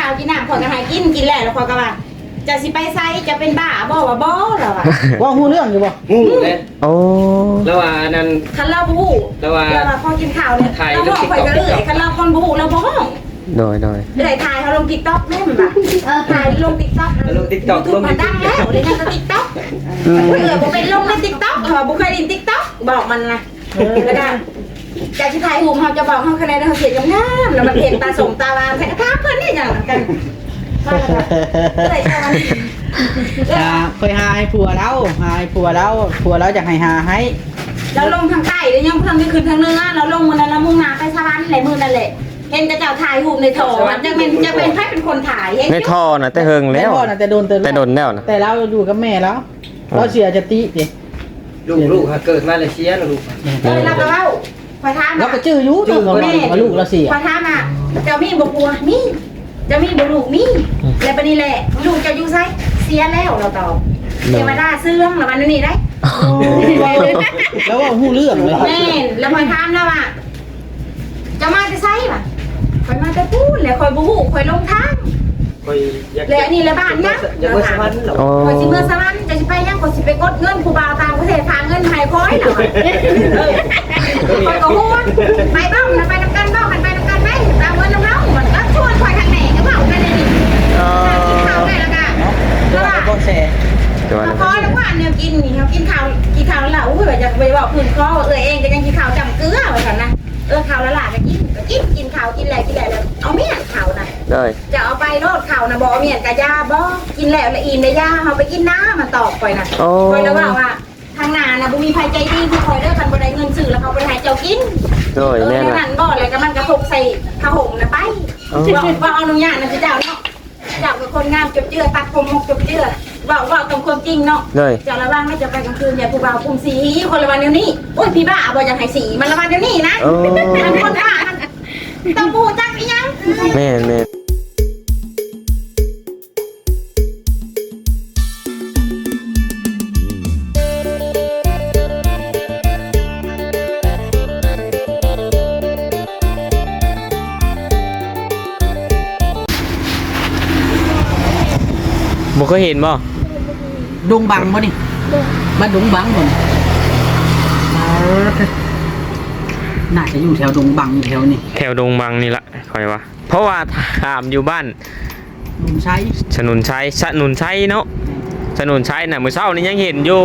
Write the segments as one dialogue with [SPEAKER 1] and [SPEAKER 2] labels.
[SPEAKER 1] าวกินน้ำข่อยก็ให้กินแล้วข่อยก็ว่าจะสิไปไซจะเป็นบ้าบ่ว่าบ่แล้วอ่ะ
[SPEAKER 2] ว่าฮู้เรื่องอยู่บ่
[SPEAKER 3] งูเลย
[SPEAKER 4] โอ้
[SPEAKER 3] แล้วว่านั่น
[SPEAKER 1] คันเราบ่ฮู้
[SPEAKER 3] แล้วว่า
[SPEAKER 1] พอกินข้าวเนี่ยเราบอกข่อยก็เอื้อยคันเราคนบ่ฮู้เราบ่ฮ้อง
[SPEAKER 4] โดย
[SPEAKER 1] เอื้อยถ่ายเขาลง TikTok แม่นบ่ถ่ายลง TikTok
[SPEAKER 3] ลง TikTok ลง
[SPEAKER 1] มันดังแล้วเดี๋ยวนี้ก็ TikTok เอื้อยบ่เป็นลงใน TikTok บ่เคยเล่น TikTok บอกมันนะแล้วก็จากที่ถ่ายรูปเขาจะบอกเขาคะแนนเขาเขียนงามๆแล้วมันเห็นตาสมตาวามใส่กระทะเพิ่นนี่อย่างกันว่าแล้วก็เลยใช่มัน
[SPEAKER 2] เคยหาให้ผัวแล้วหาให้ผัวแล้วจะให้หาให้
[SPEAKER 1] เราลงทางใต้แล้วยังทางนี้ขึ้นทางเหนือเราลงมื้อนั้นเรามุ่งหน้าไปสวรรค์แหละมื้อนั่นแหละเห็นกระเจ้าถ่ายรูปในโถจะเป็นใครเป็นคนถ่ายเห็น
[SPEAKER 4] ในท่อน่ะแต่เฮิงแล้ว
[SPEAKER 2] พ่อน่ะแต่โดน
[SPEAKER 4] แต่โดนแล้วนะ
[SPEAKER 2] แต่เราอยู่กับแม่แล้วเราเสียจะติดิ
[SPEAKER 3] ลูกเกิดมาเลยเชียร์ลูก
[SPEAKER 1] เราก็เล่าพอถาม
[SPEAKER 2] เราก็ชื่ออยู่ตัวของเราว่าลูกเราเสีย
[SPEAKER 1] พอถามอ่ะเจ้ามีบ่ปัวมีเจ้ามีบ่ลูกมีแล้วบัดนี้แหละลูกเจ้าอยู่ไสเสียแล้วเราตอบเทวดาเสื่อมแล้วมันนี่ได้
[SPEAKER 2] แล้วว่าฮู้เรื่องเลย
[SPEAKER 1] แม่นแล้วพอถามแล้วอ่ะจะมาจะไสป่ะคอยมาแต่พูดแล้วคอยบ่ฮู้คอยลงทาง
[SPEAKER 3] คอยอยาก
[SPEAKER 1] แล้วอันนี้ละบ้านนะ
[SPEAKER 3] อยากไปสวรรค์เหรอ
[SPEAKER 4] โอ้
[SPEAKER 1] คอยสิเมื่อสวรรค์จะสิไปยังคอยสิไปกดเงินผู้บ่าวต่างประเทศฝากเงินให้คอยแล้วคอยก็ฮู้ไปบ้างนะไปนำกันบ้างไปนำกันไหมตามเงินน้ำเฮามันก็ชวนคอยทางไหนก็เว้ากันเลยนี่กินข้าวได้แล้วก็แล้วว่า
[SPEAKER 2] ก็แชร์
[SPEAKER 4] แต่ว่า
[SPEAKER 1] พอแล้วว่าเนี่ยกินนี่เขากินข้าวแล้วอุ้ยว่าจะไปบอกพื้นคอเองก็ยังกินข้าวจำเกลือไว้ก่อนนะข้าวละหลาก็กินข้าวกินแล้วเอาเมียนข้าวนะ
[SPEAKER 4] ได้
[SPEAKER 1] จะเอาไปโลดข้าวนะบ่เมียนกะยาบ่กินแล้วละอินได้ยาเอาไปกินน้ำมันตอกไปนะ
[SPEAKER 4] โอ้
[SPEAKER 1] คอยแล้วว่าทางนานะบ่มีภัยใจดีคือคอยเด้อคันบ่ได้เงินซื้อแล้วเขาไปให้เจ้ากิน
[SPEAKER 4] โดยแม่น
[SPEAKER 1] แล้ว
[SPEAKER 4] ล่ะ
[SPEAKER 1] นั่นบ่แล้วก็มันก็พกใส่ผ้าห่มนะไปว่าเอาอนุญาตนะเจ้าเนาะเจ้าเป็นคนงามจบเจือตัดผมหกจบเจือว่าตรงความจริงเนาะ
[SPEAKER 4] เลย
[SPEAKER 1] จะระวังไม่จะไปกลางคืนอย่าผู้บ่าวคุมสีคนละวันเดี๋ยวนี้โอ้ยพี่บ้าบอกอยากให้สีมันละวันเดี๋ยวนี้นะ
[SPEAKER 4] โอ้
[SPEAKER 1] มันคนบ้าต้องพูดจักอีหยัง
[SPEAKER 4] แม่นบ่เคยเห็นบ่
[SPEAKER 2] ดงบังบ่นี่บ้านดงบังบ่นี่น่าจะอยู่แถวดงบังอยู่แถวนี้
[SPEAKER 4] แถวดงบังนี่ล่ะคอยว่าเพราะว่าถามอยู่บ้าน
[SPEAKER 2] ลุงใช้
[SPEAKER 4] สนุนชัยเนาะสนุนชัยน่ะมื้อเช้านี่ยังเห็นอยู่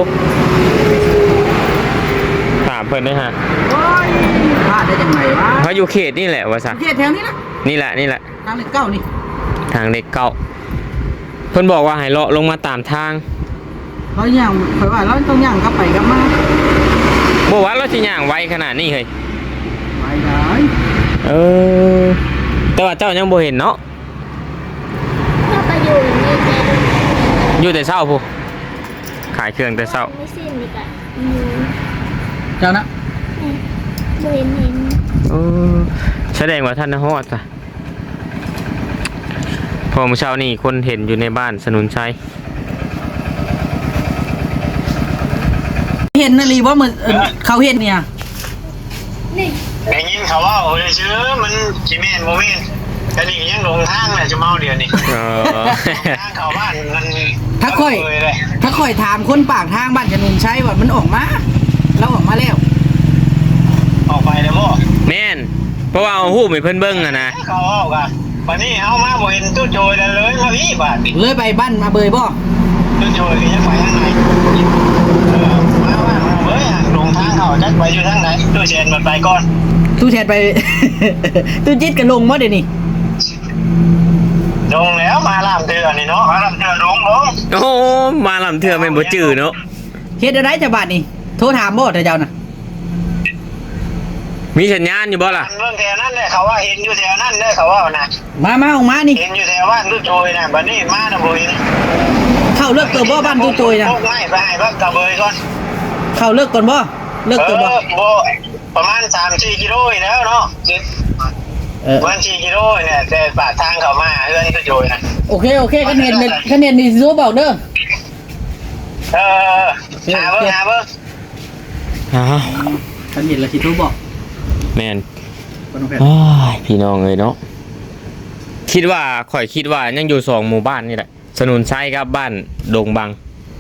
[SPEAKER 4] ถามเพิ่นด้วยฮะ
[SPEAKER 2] โอ้ยพลาดได้จังไงวะ
[SPEAKER 4] เขาอยู่เขตนี่แหละว่าซะ
[SPEAKER 2] เขตแถวนี้นะ
[SPEAKER 4] นี่แหละ
[SPEAKER 2] ทางเลขเก้านี่
[SPEAKER 4] ทางเด็กเก่าเพิ่นบอกว่าให้เลาะลงมาตามทาง
[SPEAKER 2] เราย่างข่อยว่าเราต้องย่างกลับไปกลับมา
[SPEAKER 4] บ่ว่าเราสิย่างไวขนาดนี้เฮ้ย
[SPEAKER 2] ไปได้
[SPEAKER 4] เออแต่ว่าเจ้ายังบ่เห็นเนาะ
[SPEAKER 5] ก็ไปอยู่นี่แต่
[SPEAKER 4] อยู่แต่เช้าพูขายเครื่องแต่เช้า
[SPEAKER 5] ไม่สิ้นดีกว่า
[SPEAKER 2] เจ้านะ
[SPEAKER 5] เห็น
[SPEAKER 4] เออแสดงว่าท่านฮอดจ้ะพอมื้อเช้านี่คนเห็นอยู่ในบ้านสนุนชัย
[SPEAKER 2] เห็นนาลีว่ามันเขาเห็นเนี่ย
[SPEAKER 5] นี่
[SPEAKER 6] ได้ยินเขาว่าโอ้ยชื่อมันจีเมนโมเมนแต่นี่ยังลงทางเลยจะเมาเดียวนี่
[SPEAKER 4] เออ
[SPEAKER 6] ทางเขาบ้านมัน
[SPEAKER 2] ถ้าค่อยถามคนปากทางบ้านจะนุนใช้ว่ามันออกมาเราออกมาแล้ว
[SPEAKER 6] ออกไปแล้วบ่
[SPEAKER 4] แม่นเพราะว่าเอาฮู้ให้เพิ่นเบิ่งอะนะ
[SPEAKER 6] เขาออกอะวันนี้เอามาบ่เห็นตู้โจยเลยมาพี่บาท
[SPEAKER 2] เลยไปบ้านมาเบยบ่
[SPEAKER 6] ตู้โจยก็ยังไปทางไหนมาว่าเฮ้ยลงทางเขาจักไปอยู่ทางไหนตู้เชนมันไปก่อน
[SPEAKER 2] ตู้แทนไป ตู้จิตกันลงบ่เดี๋ยวนี้
[SPEAKER 6] ลงแล้วมาลามเตือนนี่เนาะมาลามเตือนลง
[SPEAKER 4] โอ้มาลำเทื่อแม่นบ่จื้อเนาะ
[SPEAKER 2] เฮ็ดอะไรจะบาดนี่โทรถามบ่เจ้าน่ะ
[SPEAKER 4] มีสัญญาณอยู่บ่ล่ะ
[SPEAKER 6] เรื่องแถวนั้นเลยเขาว่าเห็นอยู่แถวนั้นเลยเขาว่านะ
[SPEAKER 2] มาออกมานี่
[SPEAKER 6] เห็นอยู่แถวบ้านตู้โจยนะบัดนี้มานะบ่เห็น
[SPEAKER 2] เข้าเลิกตัวบ่บ้านตู้โจยนะ
[SPEAKER 6] พวกไม่ไปให้พักกระเบยก่อน
[SPEAKER 2] เข้าเลิกก่อนบ่เลิกตัวบ่
[SPEAKER 6] บ่ประมาณ 3-4 กิโลอยู่แล้วเนาะ ประมาณ4 กิโลเนี่ยแต่ปากทางเขามาเฮือนก็โยยนะ
[SPEAKER 2] โอเคคะแนนนี่รู้บอกเด้อ
[SPEAKER 6] หาเบิ่ง
[SPEAKER 4] อ้าว
[SPEAKER 2] คะแนนละสิรู้บอก
[SPEAKER 4] แม่น
[SPEAKER 2] บ่ต้องแพ้
[SPEAKER 4] อ้ายพี่น้องเอ้ยเนาะคิดว่าข่อยคิดว่ายังอยู่2หมู่บ้านนี่แหละสนุนชัยกับบ้านดงบัง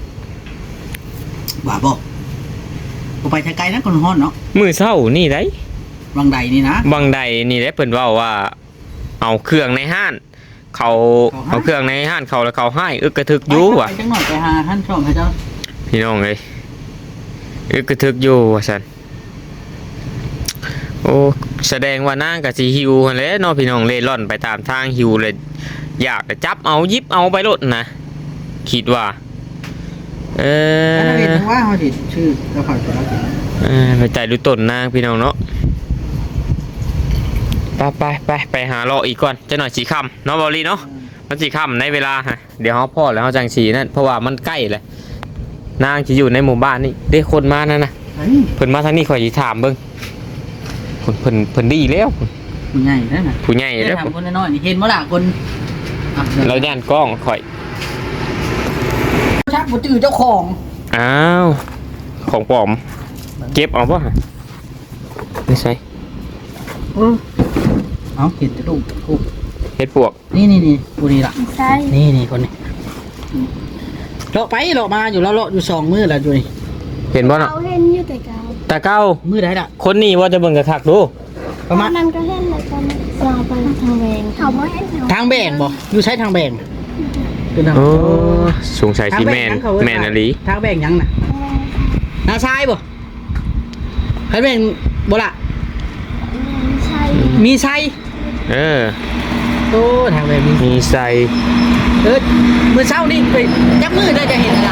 [SPEAKER 2] ว่าบ่บ่ไปไกลๆนะคนฮ้อนเนาะ
[SPEAKER 4] มื้อเช้านี่ได้
[SPEAKER 2] วังใดนี่นะ
[SPEAKER 4] บางใดนี่ได้เพิ่นเว้าว่า เอาเครื่องในห้านเขาเอาเครื่องในห้านเขาแล้วเขาให้อึกกระทึกอยู่ว่ะ
[SPEAKER 2] ไปจังหน่อยไปหาท่านชมให้เจ้า
[SPEAKER 4] พี่น้องเอ้ยอึกกระทึกอยู่ว่าซั่นโอ้แสดงว่านางก็สิหิวหั่นแหละเนาะพี่น้องเล่ร่อนไปตามทางหิวเลยอยากจะจับเอาหยิบเอาไปโลดนะคิดว่า
[SPEAKER 2] อันนั้นเป็นว่าเฮาสิชื่อแล้วเขาจะรับ
[SPEAKER 4] ไปใจดูต้นนางพี่น้องเนาะไปหาเลาะอีกก่อนจะหน่อยสีค่ำเนาะบอลลี่เนาะมันสีค่ำในเวลาฮะเดี๋ยวเขาพ่อแล้วเขาจังสีนั่นเพราะว่ามันใกล้เลยนางจะอยู่ในหมู่บ้านนี่ได้คนมานั่นนะเพิ่นมาทางนี้ข่อยสิถามเบิ่งเพิ่นดีแล้ว
[SPEAKER 2] ผู้ใหญ่นั่นน่ะ
[SPEAKER 4] ผู้ใหญ่แล้ว
[SPEAKER 2] ถามคนน้อยๆนี่เห็นบ่ล่ะคน
[SPEAKER 4] เราย่านกล้องข่อย
[SPEAKER 2] ชักบ่จื้อเจ้าของ
[SPEAKER 4] อ้าวของปลอมเก็บเอาป่ะไม่ใช่
[SPEAKER 2] เอาเห็นจะลูก
[SPEAKER 4] เฮ็ดปวก
[SPEAKER 2] นี่ผู้นี้ล่ะ
[SPEAKER 5] ใช่
[SPEAKER 2] นี่คนนี้เลาะไปเลาะมาอยู่แล้วเลาะอยู่2มื้อแล้วอยู่นี่
[SPEAKER 4] เห็นบ่เนาะ
[SPEAKER 5] เขาเห็นอยู่แต่เก่า
[SPEAKER 4] ตาเก้า
[SPEAKER 2] มื้อใดล่ะ
[SPEAKER 4] คนนี้ว่าจะเบิ่งกระคักดู
[SPEAKER 2] ประมาณ
[SPEAKER 5] นั้นก็เห็นเลยตอนนี้เราไปทางแวงเขาไม่เห็นเขา
[SPEAKER 2] ทางแบ่งบ่อยู่ใช้ทางแบ่งคือทาง
[SPEAKER 4] โอ้สงสัยสิแม่นแม่นอลี
[SPEAKER 2] ทางแบ่งหยังน่ะนาชายบ่ใครแบ่งบ่ล่ะ
[SPEAKER 5] ใช่
[SPEAKER 2] มีไซ
[SPEAKER 4] โอ้
[SPEAKER 2] ทางแบ่งมี
[SPEAKER 4] มีใส่
[SPEAKER 2] มื้อเช้านี่ไปจักมื้อได้จะเห็นล่ะ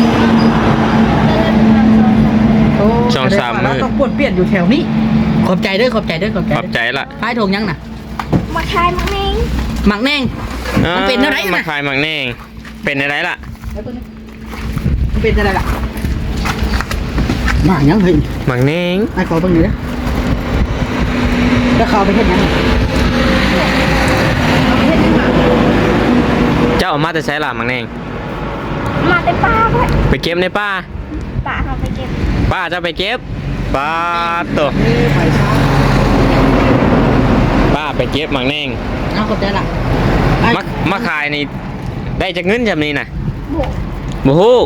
[SPEAKER 4] ช่องสามมื้อ
[SPEAKER 2] เราต้องปวดเปลี่ยนอยู่แถวนี้ขอบใจเด้อ
[SPEAKER 4] ขอบใจละ
[SPEAKER 2] พายทงยังน่ะ
[SPEAKER 5] มาคายมังเอง
[SPEAKER 2] หมักแนง มันเป็นอะไร
[SPEAKER 4] มา
[SPEAKER 2] น่ะ
[SPEAKER 4] ขายหมักแนงเป็นอะไรล่ะ
[SPEAKER 2] มันเป็นอะไรล่ะหมักยังเฮ้ย
[SPEAKER 4] หมักแนง
[SPEAKER 2] ไอ้ขอเบิ่งหน่อยเด้อแล้วเขาเอาไปเฮ็ดหยัง
[SPEAKER 4] เจ้าเอามาแต่ใช้ล่ะหมักแนง
[SPEAKER 5] มาแต่ป้าเพื่อน
[SPEAKER 4] ไปเก็บในป่า
[SPEAKER 5] ป้าเขาไปเก็บ
[SPEAKER 4] ป้าจะไปเก็บป้าตัว
[SPEAKER 2] ไปช้า
[SPEAKER 4] ป้าไปเก็บหมักแนง
[SPEAKER 2] เอาขอบใจล่ะ
[SPEAKER 4] มาขายนี่ได้จากเงินจำนี้น่ะ
[SPEAKER 5] โบ
[SPEAKER 4] บูฮู้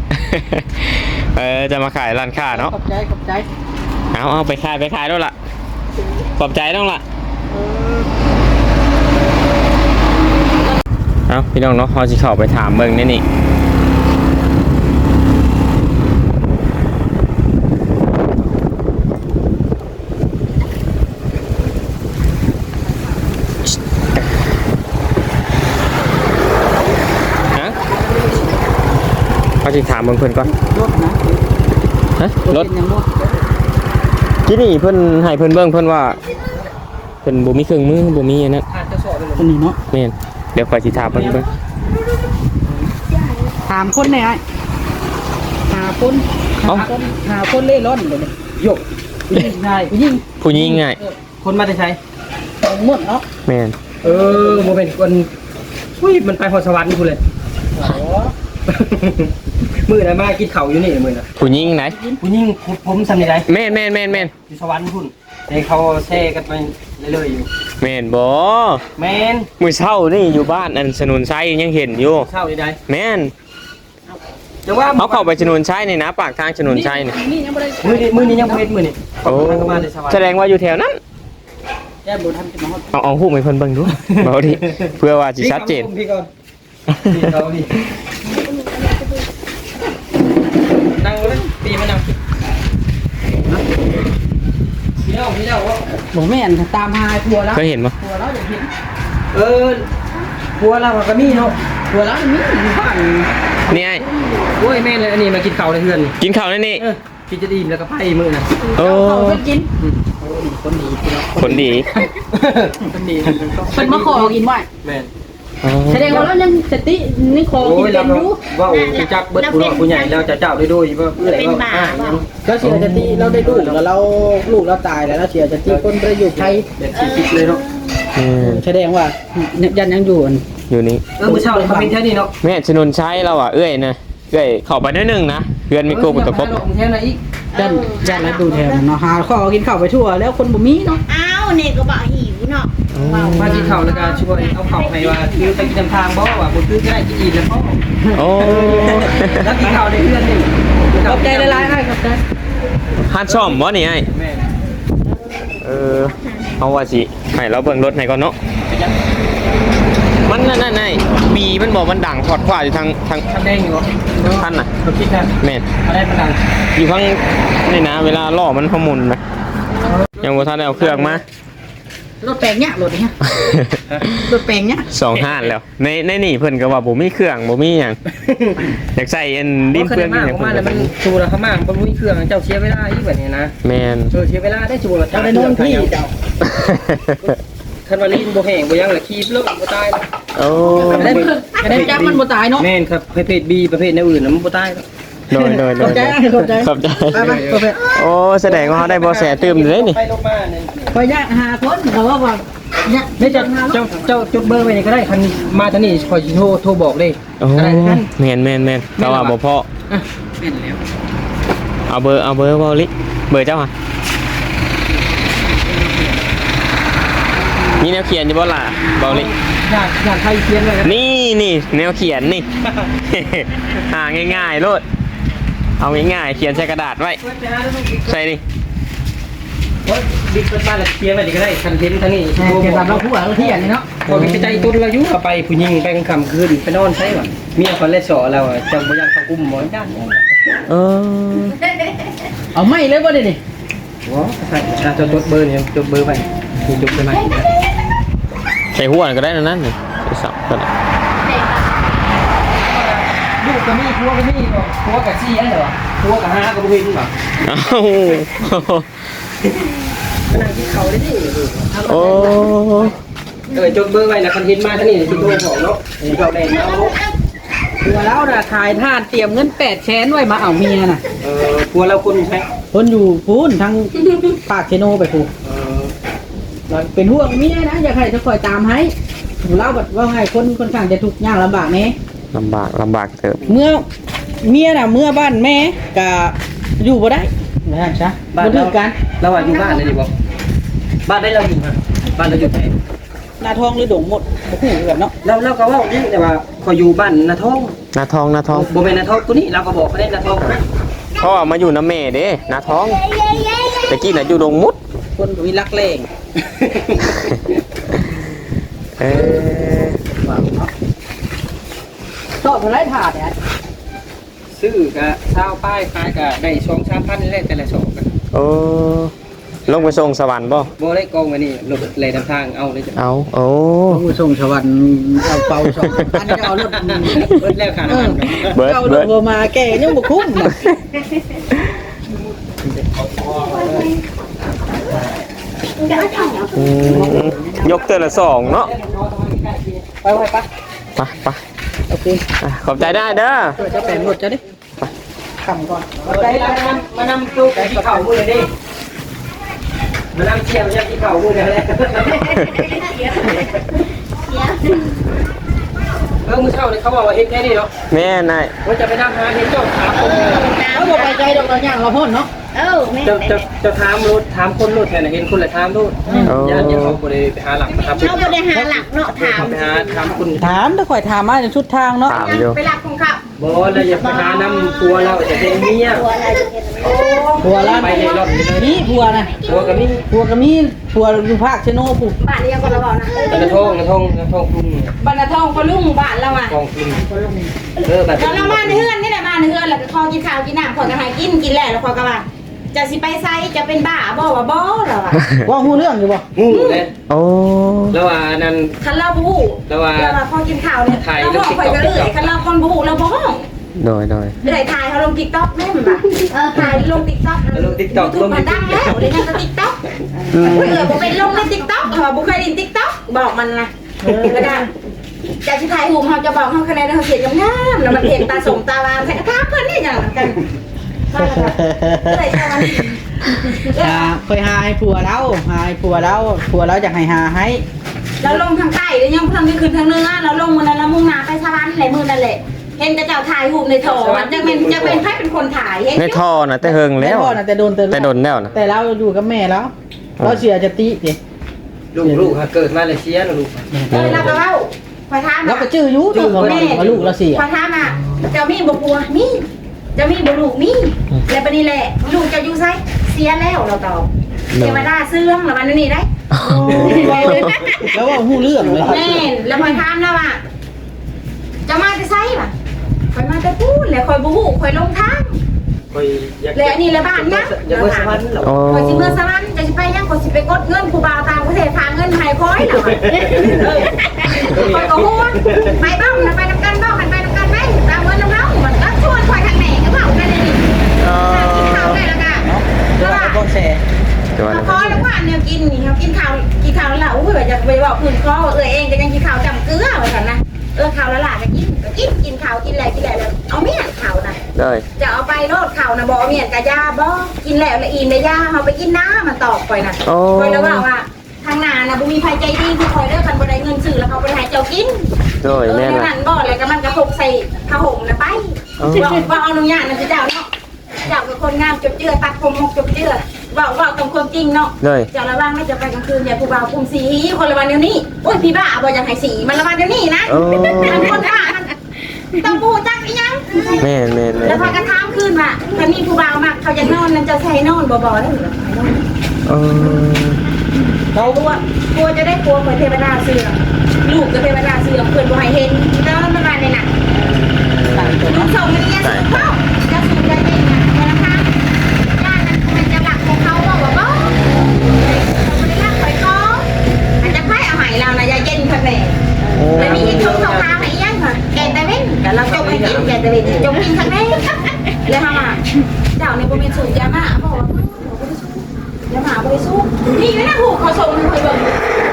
[SPEAKER 4] จะมาขายร้านค้าเนาะ
[SPEAKER 2] ขอบใจ
[SPEAKER 4] เอาไปขายแล้วล่ะขอบใจต้องล่ะเอาพี่น้องเนาะเราจะเข้าไปถามเบิ่งนี่เขาจะถามเพิ่นก่อน
[SPEAKER 2] รถนะ
[SPEAKER 4] ฮะรถ
[SPEAKER 2] เป็นยังบ่
[SPEAKER 4] ที่นี่เพิ่นให้เพิ่นเบิ่งเพิ่นว่าเพิ่นบ่มีเครื่องมือบ่มีอันนั้น
[SPEAKER 2] คนนี้เนาะ
[SPEAKER 4] แม่นเดี๋ยวข่อยสิถามเพิ่นเบิ่ง
[SPEAKER 2] ถามคนไหนไอ้หาคนเล่ร่อนเลยเนี่ยโยกยิงได้ยิง
[SPEAKER 4] ผู้หญิงง่าย
[SPEAKER 3] คนมาแต่ใช้
[SPEAKER 2] หมดเนาะ
[SPEAKER 4] แม่น
[SPEAKER 3] โมเป็นคนอุ้ยมันไปพรสวรรค์พูดเลย มือนะมากินเข่าอยู่นี่มือนะ
[SPEAKER 4] ผู้หญิงไหน
[SPEAKER 3] ผู้ยิ่งผมทำยังไง
[SPEAKER 4] แม่น
[SPEAKER 3] อยู่สวรรค์พุ่นในเขาแช่กันไปเรื่อยๆอยู่
[SPEAKER 4] แม่นบ่
[SPEAKER 3] แมน
[SPEAKER 4] มื้อเช้านี่อยู่บ้านอันสนุนชัยยังเห็นอยู่
[SPEAKER 3] เช่าได้
[SPEAKER 4] แม่น
[SPEAKER 3] จะว่า
[SPEAKER 4] เขาเข้าไปสนุนชัยนี่นะปากทางสนุนชัยนี่
[SPEAKER 2] นี่ยังไม่ได้
[SPEAKER 3] มือนี้ยังเพชรมือนี่
[SPEAKER 4] โอ้
[SPEAKER 3] ทางมาในสวรรค์
[SPEAKER 4] แสดงว่าอยู่แถวนั้น
[SPEAKER 2] แย่บุญทำจะมา
[SPEAKER 4] เอาหูปให้เพิ่นเบิ่งดู บ่ดิเพื่อว่าสิชัดเจน
[SPEAKER 3] พี่ก่อนพี่เขาดินั่งเลยปีมานั่งพี่เล่าว่า
[SPEAKER 2] บอกแม่นตามหาผัวแล้ว
[SPEAKER 4] เคยเห็นบ่
[SPEAKER 2] ผัวแล้วอย่างเห็น
[SPEAKER 3] ผัวเราก็มีเนาะ
[SPEAKER 2] ผัวแล้วมีอยู่บ้าน
[SPEAKER 4] นี่ไอ้
[SPEAKER 3] โอ้ยแม่เลยอันนี้มากินเข่าในเฮือน
[SPEAKER 4] กินข้าวนี่นี่
[SPEAKER 3] กินจะดีแล้วก็ไพ่มือนะ
[SPEAKER 4] โอ้
[SPEAKER 2] เขาไปกินคนดี
[SPEAKER 4] คนดี
[SPEAKER 2] คนดีเป็นมาขอกินไว้
[SPEAKER 3] แม่
[SPEAKER 2] แสดงว่าเรายังสตินี่ขอกิน
[SPEAKER 3] โอ้ย
[SPEAKER 2] เป็
[SPEAKER 3] เรา
[SPEAKER 2] นอยู่
[SPEAKER 3] ว่าโอ้จักเบิดผู้ใหญ่เราจะเจ้าได้ด้วยว่าเพื่ออะไรว่า
[SPEAKER 2] เราเสียสติเราได้ลูกแล้วเราลูกเราตายแล้วเราเสียสติคนไปอยู่ไทย
[SPEAKER 3] แบบคิดเลยเนาะ
[SPEAKER 2] แสดงว่ายันยังอยู่
[SPEAKER 4] อยู่นี่
[SPEAKER 3] มื้อเช้าเขาเป็นแค่นี้เนาะ
[SPEAKER 4] แม่สนุนชัยเราอ่ะเอ้ยนะเอ้ยเข้าไปนิดนึงนะเพื่อนมีโกบุตรครบ
[SPEAKER 3] แค่นั้นอีก
[SPEAKER 2] ยันแล้วดูแถวเนาะหาข้อกินข้าวไปทั่วแล้วคนบ่มีเนาะ
[SPEAKER 1] อ้าวเนี่ยก็บอกหิวเนาะ
[SPEAKER 3] มากินข้าวแล้วก็ช่วยเอาข้าวให้ว่าคือไปกินทางบ่ว่าบ่คือก็ได้กินอีกแล้วพ่อ
[SPEAKER 4] โอ้
[SPEAKER 3] แล้วกินข้าวได้เพื่อนนี่
[SPEAKER 2] ขอบใจหลายๆให้ขอบใจ
[SPEAKER 4] ฮัดซ่อมบ่นี่ไอ้
[SPEAKER 3] แม่
[SPEAKER 4] เอาว่าสิให้เราเบิ่งรถให้ก่อนเนาะมันนั่นไอ้บีมันบอกมันดังขอดขวาอยู่ทาง
[SPEAKER 3] ทำแดงอยู่บ่
[SPEAKER 4] ท่านน่ะ
[SPEAKER 3] บ่คิดนะ
[SPEAKER 4] แม่น
[SPEAKER 3] อะไรประดัง
[SPEAKER 4] อยู่ข้างนี่นะเวลาล่อมันขมุนไหมยังบ่ทันได้เอาเครื่องมาร
[SPEAKER 2] ถแปลงเนี่ยรถเนี่ยรถแปลงเนี่ย
[SPEAKER 4] สองห้านแล้วในนี่เพิ่นก็ว่าบ่มีเครื่องบ่มีหยังอยากใส่อันดินเพื่อน
[SPEAKER 3] มาก
[SPEAKER 4] หยัง
[SPEAKER 3] มาแล้วมันชูแล้วเขามากบ่มีเครื่องเจ้าเสียเวลาอีกแบบนี้นะ
[SPEAKER 4] แม่น
[SPEAKER 3] เสียเวลาได้ชูแล้ว
[SPEAKER 2] เจ้าได้นอนพี่เจ้า
[SPEAKER 3] คันว่าลิ้นบ่แห้งบ่ยังละขี้เลิกบ่ตายแล้ว
[SPEAKER 4] โอ้
[SPEAKER 2] ได้จับมันบ่ตายเนาะ
[SPEAKER 3] แม่นครับประเภท B ประเภทแนวอื่นน่ะมันบ่ตายแล้ว
[SPEAKER 4] โดย
[SPEAKER 2] ขอบใจขอบใจ
[SPEAKER 4] ขอบใจ
[SPEAKER 2] ไปไป
[SPEAKER 4] โอ้แสดงว่าเขาได้บ่แสตื้มเลยนี่
[SPEAKER 3] ไปลงมาเนี่ย
[SPEAKER 2] ไปยากหาคนเขาว่าเนี่ย
[SPEAKER 3] นี่เจ้าจดเบอร์ไว้นี่ก็ได้คันมาทางนี้คอยสิโทรบอกเลย
[SPEAKER 4] โอ้แม่นแต่ว่าบ่พอ
[SPEAKER 3] เป็นแล้ว
[SPEAKER 4] เอาเบอร์เบาลิเบอร์เจ้าอ่ะนี่แนวเขียนอยู่บ่ล่ะเบาลิ
[SPEAKER 3] อยากใครเขียนไว้นะ
[SPEAKER 4] นี่แนวเขียนนี่ หาง่ายๆโลดเอาง่ายๆเขียนใส่กระดาษไว้ใส่ดิ
[SPEAKER 3] ว่าบิ๊กเปิดบ้านแล้วเขียนไว้นี่ก็ได้คันเห็นทางนี้
[SPEAKER 2] เก็บรับเราผู้ว่าเราเที่ยงนี่เนาะ
[SPEAKER 3] พอมีใจตุนเราอยู่เอาไปผู้หญิงไปกลางค่ำคืนไปนอนใช่ป่ะเมียคนเล่สอเราอะจังบ่ยังเขากุ้มหมอนด้าน
[SPEAKER 4] เออ
[SPEAKER 2] เอาไม่เลยบ่ได้ดิ
[SPEAKER 3] ว้าจะจดเบอร์เนี่ยจดเบอร์ไว้มีจดไปไหม
[SPEAKER 4] ใส่หัวก็ได้นั่นนี่ใส่สับก็ได้
[SPEAKER 3] ลูกกับมีผัวกับมีผัวกับซี่อันเดียวผัวกับห้ากับบุหินป่ะ
[SPEAKER 4] เอ้า
[SPEAKER 3] ก็นั่งกินเขาได้ดิ
[SPEAKER 4] โอ้
[SPEAKER 3] จดเบอร์ไว้นะคันเห็นมาทางนี้ที่ตัวของเนาะเราได้เนาะ
[SPEAKER 2] คือแล้วน่ะขายทาสเตรียมเงิน800,000ไว้มาเอาเมียน่ะ
[SPEAKER 3] ผัวเราคนใช่
[SPEAKER 2] คนอยู่พูนทางปากเชโนไปพูเป็นห่วงเมียนะอยากให้จะคอยตามให้เล่าแบบว่าไงคนข้างจะทุกข์ยากลำบากไหม
[SPEAKER 4] ลำบากเติบ
[SPEAKER 2] เมื่อเมียน่ะเมื่อบ้านแม่ก็อยู่บ่ได้นะจ๊ะบ้านถึงกัน
[SPEAKER 3] เราอยู่บ้านเลยดิบอกบ้านได้เราอยู่บ้านเราอยู่ไหน
[SPEAKER 2] นาทองหรือดงหมดบ่ฮู้แบบเนาะ
[SPEAKER 3] เราก็ว่านี่แต่ว่าพออยู่บ้านนาทอง
[SPEAKER 4] นาทอง
[SPEAKER 3] โบเมนนาทองตัวนี้เราก็บอกเขาได้นาทองนะ
[SPEAKER 4] พ่อมาอยู่น้ำแม่เด้นาทองแต่กี้น่ะอยู่ดงมุด
[SPEAKER 2] คนก็มีรักแรง
[SPEAKER 4] เออ
[SPEAKER 2] ชอบอะไรถาดเนี่ย
[SPEAKER 3] ซื้อกะเช่าป้ายขายกะได้2-3,000นี่แหละแต่ละสองกัน
[SPEAKER 4] โอ้ลงไปส่งสวรรค์บ่
[SPEAKER 3] โบได้กองไว้นี่รถเลยนำทางเอาเลยจ้ะ
[SPEAKER 4] เอาโอ้
[SPEAKER 2] ผู้ส่งสวรรค์เอาเป่า2,000อันนี้เอารถ
[SPEAKER 3] เบิดแล้วค่ะน้ำมัน
[SPEAKER 4] เบิร์ด
[SPEAKER 2] เอาร
[SPEAKER 4] เบิ
[SPEAKER 2] ถ
[SPEAKER 4] ร์ด
[SPEAKER 2] บ่มาแก่ยังบ่คุ้มน่ะ
[SPEAKER 4] อืมยกเตือนละสองเนาะ
[SPEAKER 2] ไปไป
[SPEAKER 4] ไป
[SPEAKER 2] โอเค
[SPEAKER 4] อ่ะขอบใจได้เด้อ
[SPEAKER 2] จะแปลงรถจะดิคำก่อน
[SPEAKER 3] มานำตู้ที่เข่ามือเลยดิมานำเชียร์ที่เข่ามือเลยมือเช่าเนี่ยเขาบอกว่าเฮ็ดแค่นี้เนาะ
[SPEAKER 4] แม่นาย
[SPEAKER 3] ว่าจะไปนั่งหาเห็นเจ้าถามคน
[SPEAKER 2] เอาบ่ไปใจดอกเราย่างเราพ่นเนาะ
[SPEAKER 3] จะถามรถถามคนรถแทนเห็นคนละถามรถ
[SPEAKER 4] โอ้
[SPEAKER 3] ญาติเขาบ่ได้ไปหาหลักนะครับ
[SPEAKER 1] เราบ่ได้หาหลักเนาะถาม
[SPEAKER 3] ไปหาถามคน
[SPEAKER 2] ถามถ้าข่อยถามมาในชุดทางเนาะ
[SPEAKER 4] ถามอยู่
[SPEAKER 1] ไปหลักของเขา
[SPEAKER 3] บ่แล้วอย่าไปหาน้ำตัวเราจะเป็นเมีย
[SPEAKER 2] ผัวละ
[SPEAKER 3] ไปในรถเลย
[SPEAKER 2] นี่ผัวนะ
[SPEAKER 3] ตัวกับนี่
[SPEAKER 2] ผัวก็มีผัวอยู่ภาคเชโนปุ๊บ
[SPEAKER 1] บ้านนี้ยังก็ระบอกนะ
[SPEAKER 3] กระทงกลุ่ม
[SPEAKER 1] บ้านนาทองก็ลุงบ้านเราอ่ะ
[SPEAKER 3] กองกลุ่มแบบ
[SPEAKER 1] เรามาในเฮือนนี่แหละมาในเฮือนแล้วก็คอกินข้าวกินน้ำขอกันหายกินแล้วแล้วขอกันว่าจะสิไปไซจะเป็นบ้าบ่ว่าบ่เราอ่ะ
[SPEAKER 2] ว่าหูเรื่องอยู่บ่
[SPEAKER 3] งูเลย
[SPEAKER 4] โอ้
[SPEAKER 3] แล้วว่านั่น
[SPEAKER 1] คันเราบู๊
[SPEAKER 3] แล้วว่า
[SPEAKER 1] เราพอกินข้าวเนี่ยเราบอกไปก็เลยคันเราคนบู๊เราบ่ห้อง
[SPEAKER 4] โดย
[SPEAKER 1] เลยถ่ายเขาลง TikTok แม่นบ่ถ่ายลง TikTok
[SPEAKER 3] ลง TikTok ลง
[SPEAKER 1] มันดังแล้วเดี๋ยวนั้นก็ TikTok บ่ไปลงใน TikTok บ่เคยเล่น TikTok บอกมันนะก็ได้จะสิถ่ายรูปเฮาจะบอกเฮาคะแนนเฮาเสียงงามๆแล้วมันเห็นตาสมตาวามใส่กระทะเพิ่นนี่จังกันมาแล้วก็เลยจะมัน
[SPEAKER 2] เคยหาให้ผัวแล้วหาให้ผัวแล้วผัวแล้วอยากให้หาให้
[SPEAKER 1] เราลงทางใต้แล้วยังทางนี้ขึ้นทางเหนือเราลงมื้อนั้นเรามุ่งหน้าไปสวรรค์แหละมื้อนั่นแหละเห็นกระเจ้าถ่ายรูปในโถจะเป็นใครเป็นคนถ่ายเห็น
[SPEAKER 4] ในท่อน่ะแต่เฮิงแล้ว
[SPEAKER 2] พ่อน่ะแต่โดน
[SPEAKER 4] แต่โดนแล้วนะ
[SPEAKER 2] แต่เราอยู่กับแม่แล้วเราเสียจะติดิ
[SPEAKER 3] ลูกเกิดมาเลเซียลูก
[SPEAKER 1] แล้วก็เล่าพอถาม
[SPEAKER 2] แล้วก็ชื่ออยู่ตัวของเราว่าลูกเราเสีย
[SPEAKER 1] พอถามอ่ะเจ้ามีบ่ปัวมีเจ้ามีบ่ลูกมีแล้วบัดนี้แหละลูกเจ้าอยู่ไสเสียแล้วเราตอบเทวดาเสื่อมแล้วมันนี่ได้
[SPEAKER 2] แล้วว่าหู้เรื่องเลย
[SPEAKER 1] แม่นแล้วพอถามแล้วอ่ะจะมาจะไสป่ะคอยมาจะพูดแล้วคอยบ่ฮู้คอยลงทาง
[SPEAKER 3] คอยอยาก
[SPEAKER 1] แล้วอันนี้ละบ้านนะ
[SPEAKER 3] อยากไปสวรรค์เหรอ
[SPEAKER 4] โอ้
[SPEAKER 1] คอยสิเมื่อสวรรค์จะสิไปยังคอยสิไปกดเงินผู้บ่าวต่างประเทศฝากเงินให้คอยแล้วคอยก็ฮู้ไปบ้างนะไปนำกันบ้างมันไปนำกันไหมตามเงินนำเรามันก็ชวนคอยทางไหนก็เว้ากันได้นี่กินข้าวได้แล้วก็แล้วว่า
[SPEAKER 2] ก็แชร์
[SPEAKER 4] ตัวนั้น
[SPEAKER 1] พอแล้วว่าเนี่ยกินนี่เขากินข้าวแล้วอุ้ยแบบอยากไปบอกคืนคอเองก็ยังกินข้าวจำเกลือไว้ก่อนนะข้าวละหลาก็กินข้าวกินอะไรแล้วเอาเมียนข้าวนะ
[SPEAKER 4] เลย
[SPEAKER 1] จะเอาไปโลดข้าวนะบอกเมียนกะยาบ่กินแล้วละอินละยาเอาไปกินน้ำมันตอกไปนะคอยแล้วว่าทางนานะบุมีภัยใจดีคือคอยเลิกกันบ่ได้เงินซื้อแล้วเขาไปหาเจ้ากิน
[SPEAKER 4] เลยแม่น
[SPEAKER 1] แล้ว
[SPEAKER 4] ละ
[SPEAKER 1] นั่นบ่อะไรก็มันกระพกใส่ผ้าห่มนะไปว่าเอาหนุ่มยางนั่นจะเจ้าเนาะเจ้าเป็นคนงามจบเจือตัดผมหกจบเจือว่าตรงความจริงเนาะ
[SPEAKER 4] เลย
[SPEAKER 1] จะระวังไม่จะไปกลางคืนอย่าผู้บ่าวคุมสีคนละวันเดี๋ยวนี้โอ้ยพี่บ้าบอกอยากให้สีมันละวันเดี๋ยวนี้นะมันคนบ้ามันต้องพูดจักอีหยัง
[SPEAKER 4] แม่นแม่น
[SPEAKER 1] แล้วพากระทำคืนว่าตอนนี้ผู้บ่าวมากเขาจะนอนนั่นจะใส่นอนบ่ได้หรือ
[SPEAKER 4] เออ
[SPEAKER 1] เขากลัวจะได้กลัวเหมือนเทวดาเสื่อมลูกกับเทวดาเสื่อมเพื่อนบ่ให้เห็นแล้วมันมาในหนักลูกส่งมันยังสูงเข้าจะสูงได้ยังไงนะคะย่านนั้นมันจะหลักของเขาบอกว่าบ่ไม่ได้รักข่อยก็อาจจะไพ่เอาใหายเรานะยาเย็นค่ะแม่แต่มีอีกสองทางให้ยังค่ะแกนตะเว้นแต่เราจงให้กินแกนตะเว้นจงกินทั้งนี้เลยค่ะมาเจ้าในบริเวณสูงยามาบอกว่ายามาบริสุทธิ์นี่ไม่น่าหูเขาส่งเคยบอก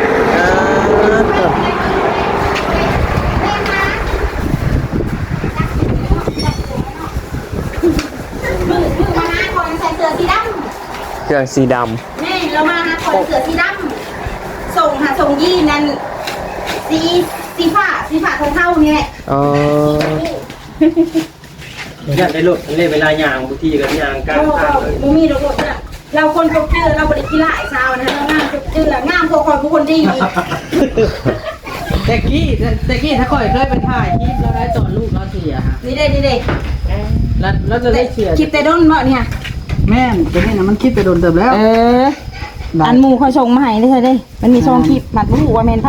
[SPEAKER 1] มือมาหาคนใส่เสื้อสีดำ
[SPEAKER 4] เครื่องสีด
[SPEAKER 1] แม่เรามาหาคนเสือสีดำส่งยี่นั่นสีฟ้าเท่านี่แหละ
[SPEAKER 4] ำเออ
[SPEAKER 3] อยากได้รถเล่นเวลายางบางทีก็ยางกลางทางเลย
[SPEAKER 1] เรามีรถเนี่ยเราคนจบเจือเราบริกีฬาไอ้สาวนะเรางามจบเจืองามพอคนผู้คนดีอีก
[SPEAKER 2] แต่กี้ถ้าคอยเคยไปถ่ายคลิปแล้วได้ตอนลูกเราเสียฮะ
[SPEAKER 1] นี่เด้
[SPEAKER 2] แล้วจะได้เชียร์
[SPEAKER 1] คลิปแต่ด้นบ่เนี่ย
[SPEAKER 2] แม่นตัวนี้นะมันคิดไปโดนเติมแล้ว
[SPEAKER 1] อันหมูเขาส่งมาให้ได้ใช่ได้มันมีซองคลิปมัดหูว่าแมนไพ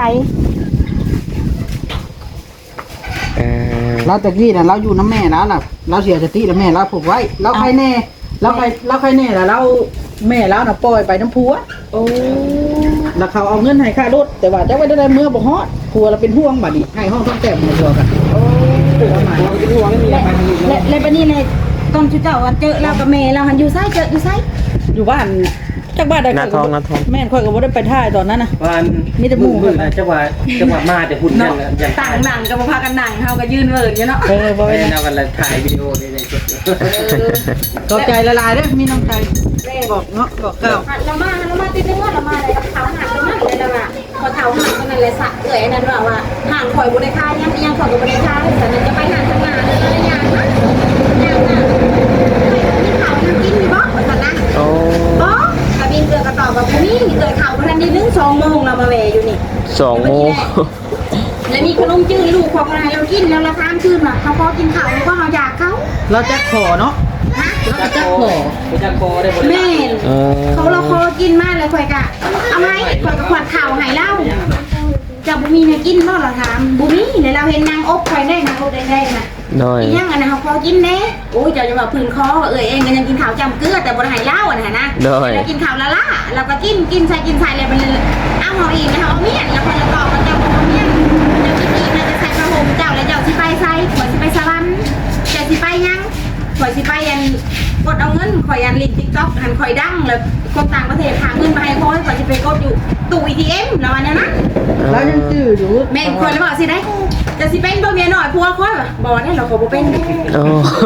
[SPEAKER 4] เออ
[SPEAKER 2] เราตะกี้น่ะเราอยู่น้ำแม่แล้วล่ะเราเสียสติแล้วแม่เราผูกไว้เราใครแน่เราใครแน่แล้วเราแม่เราน่ะปล่อยไปน้ำผัว
[SPEAKER 1] โอ้
[SPEAKER 2] แล้วเขาเอาเงินให้ค่ารถแต่ว่าจะไว้ได้เมื่อบ่ฮอดผัวเราเป็นห่วงบัดนี้ให้ห้องต้องแต่งมาตัวกันประมาณนี้เป็นห่วงไม่มีอะไรอยู่
[SPEAKER 1] และบัดนี้เลยตอนชุดเจ้าวันเจอเรากับแม่เราหันอยู่ไซอยู่ไซ
[SPEAKER 2] อยู่บ้านจากบ้านใด
[SPEAKER 4] นาทอง
[SPEAKER 2] แม่นค่อยก็บ่ได้ไปท่ายตอนนั้นน่ะ
[SPEAKER 3] วัน
[SPEAKER 2] มีแต่หมู่
[SPEAKER 3] จังหวะมาแต่หุ่นยังยัง
[SPEAKER 1] ต่างหนังกับพากันหนังเขาก็ยืนเวิร์ดอยู่เนาะ
[SPEAKER 2] บ่ไป
[SPEAKER 3] เรากันเลยถ่ายวิดีโอนี่เลย
[SPEAKER 2] ขอบใจละลายเด้อมีน้ำใจบอกเนาะบอกก้าว
[SPEAKER 1] เรามาติดนึงว่าเรามาอะไรกับเขาหันเรามาเลยละว่าพอเท้าหันก็นั่นเลยสักเอ๋ยนั่นว่าห่างข่อยบุได้ค่ายังข่อยก็บุได้ค่าแต่นั่นจะไปหาทำงานเลยยังนะยังนะมีข่าวยังกินอยู่บ่สันนะ
[SPEAKER 4] โอ้
[SPEAKER 1] บ่กระบินเกลือกระต่อกับผู้นี้เกลือข่าวพันนี้นึง2 โมงเรามาแวอยู่นี่
[SPEAKER 4] 2 โมง
[SPEAKER 1] แล้วมีขนมจืดลูกความอะไรเรากินแล้วเราทานคืนมาเขาพอกินข้าวก็เราอยากเขา
[SPEAKER 2] เราจะขอเนาะเราจะขอ
[SPEAKER 3] จะโกได้หมด
[SPEAKER 1] แม่
[SPEAKER 4] เออ
[SPEAKER 1] เขาเราคอกินมากเลยข่อยกะเอาไหมข่อยกับขวดข่าวหายเหล้าจะบุมีเนี่ยกินบ่เราถามบุมีเลยเราเห็นนางอบข่อยได้นางอบได้นะ
[SPEAKER 4] น้อย
[SPEAKER 1] อีหยังอันนั้นเขาพอกินเน่โอ้ยเจ้าจะบอกพื้นคอเองก็ยังกินข้าวจำเกลือแต่บ่ได้หายเหล้าอ่ะนะเรากินข้าวละล่าเราก็กินใส่เลยมันเอาหออีกนะเอาเมียนแล้วคนละต่อกันเจ้าเอาเมียนเจ้ากินอีกนะจะใส่กระหงเจ้าแล้วเจ้าสิไปใส่ข่อยสิไปสวรรค์เจ้าสิไปยังข่อยสิไปยันกดเอาเงินข่อยยันลิงติ๊กต็อกหันข่อยดังแล้วคนต่างประเทศหาเงินมาให้ข่อยข่อยสิไปกดอยู่ตู้ ATM แล้วอันนั้นนะ
[SPEAKER 2] เรายังจื้ออยู่
[SPEAKER 1] แม่นข่อยเลยบอกสิได้จะสิเป็นบ่เมียหน่อยพัวข่อยบ่ได้เราก็บ่เป็น
[SPEAKER 4] โอ้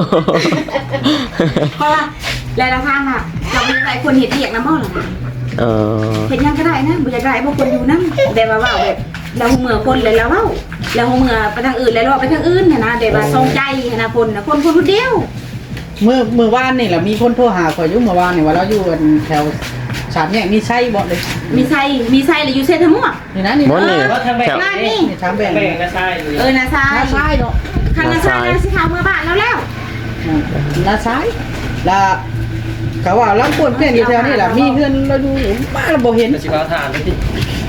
[SPEAKER 1] เพราะว่าหลายๆทางอ่ะเราไม่ได้คนเห็นเรียกน้ำมันหรอก
[SPEAKER 4] เออ
[SPEAKER 1] เห็นยังก็ได้นะบุญจะได้บางคนอยู่นั่งแต่ว่าแบบเราเมื่อคนเลยแล้วเราเมื่อไปทางอื่นแล้วเราไปทางอื่นนะแต่ว่าทรงใจนะคนคนเดียว
[SPEAKER 2] เมื่อวานนี่แหละมีคนโทรหาข่อยอยู่เมื่อวานนี่ว่าเราอยู่กันแถวสามแยกมีไส้บ่เลย
[SPEAKER 1] มีไซเลยอยู่เซนทมั่ว
[SPEAKER 2] นี่นะนี่
[SPEAKER 4] บ่นี่
[SPEAKER 3] ว่าทางแบ่ง
[SPEAKER 4] แถว
[SPEAKER 3] นี่ทางแบ่งนะใช่อยู่
[SPEAKER 1] นาซาย
[SPEAKER 2] นาซ้ายเนาะ
[SPEAKER 1] คันนาซายนาสิขาวเมื่อบ้านแล้ว
[SPEAKER 2] นาซ้ายแล้วเขาว่าลำปวนเพื่อนอยู่แถวนี้แหละมีเพื่อนเราดูบ้านเราบ่เห็น
[SPEAKER 3] สิว่าทานไปที่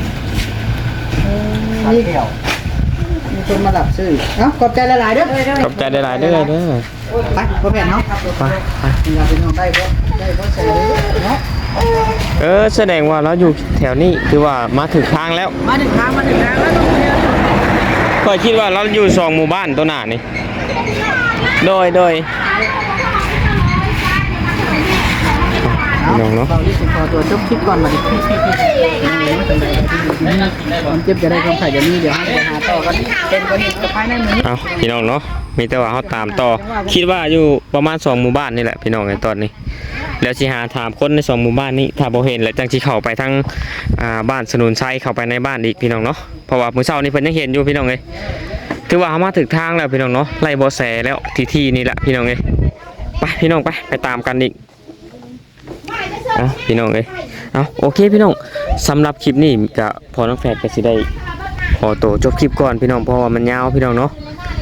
[SPEAKER 2] มีคนมาหลับซื้อเนาะขอบใจหลายๆเด้อ
[SPEAKER 4] ขอบใจหลายๆเด้อเด้อ
[SPEAKER 2] ไปพ่อแม่เนาะ
[SPEAKER 4] ไป
[SPEAKER 2] เราเป็นน้องได้บ่ใส่เนาะ
[SPEAKER 4] แสดงว่าเราอยู่แถวนี้คือว่ามาถึงทางแล้ว
[SPEAKER 2] มาถึงทางแล้วต้องเดิน
[SPEAKER 4] ค่อยคิดว่าเราอยู่2หมู่บ้านตัวหน้านี่โดยน้องเนาะ
[SPEAKER 2] เราที่สุดพอตัวจบคลิปก่อนมาดิมันเจ็บจะได้ความไข่จะมีเดี๋ยวให้หาต่อกันเป็นคนนี้ภายในมือ
[SPEAKER 4] เอาพี่น้องเนาะมีแต่ว่าเขาตามต่อคิดว่าอยู่ประมาณ2หมู่บ้านนี่แหละพี่น้องในตอนนี้ แล้วสิหาถามคนใน2หมู่บ้านนี้ถ้าบ่เห็นแล้วจังสิเข้าไปทางบ้านสนุนชัยเข้าไปในบ้านอีกพี่น้องเนาะเพราะว่ามื้อเช้านี้เพิ่นยังเห็นอยู่พี่น้องเอ้ยถือว่าเฮามาถึงทางแล้วพี่น้องเนาะไล่บ่แสแล้วที่นี่แหละพี่น้องเอ้ยไปพี่น้องไปตามกันอีกเอาพี่น้องเอ้ยเอาโอเคพี่น้องสำหรับคลิปนี้ก็พอน้องแฝดก็สิได้ขอตัวจบคลิปก่อนพี่น้องเพราะว่ามันยาวพี่น้องเนาะ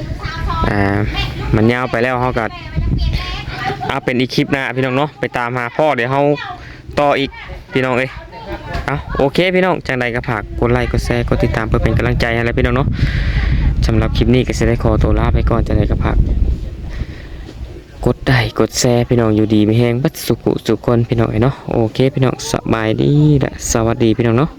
[SPEAKER 4] มันยาวไปแล้วเฮาก็เป็นอีกคลิปหน้าพี่น้องเนาะไปตามหาพ่อเดี๋ยวเฮาต่ออีกพี่น้องเอ้ยเอาโอเคพี่น้องจังใดก็ฝากกดไลค์กดแชร์กดติดตามเพื่อเป็นกำลังใจให้แล้วพี่น้องเนาะสำหรับคลิปนี้ก็สิได้ขอตัวลาไปก่อนจังใดก็ฝากกดไลค์กดแชร์พี่น้องอยู่ดีไม่แห้งบัดสุขสุขคนพี่น้องเนาะโอเคพี่น้องสบายดีและสวัสดีพี่น้องเนาะ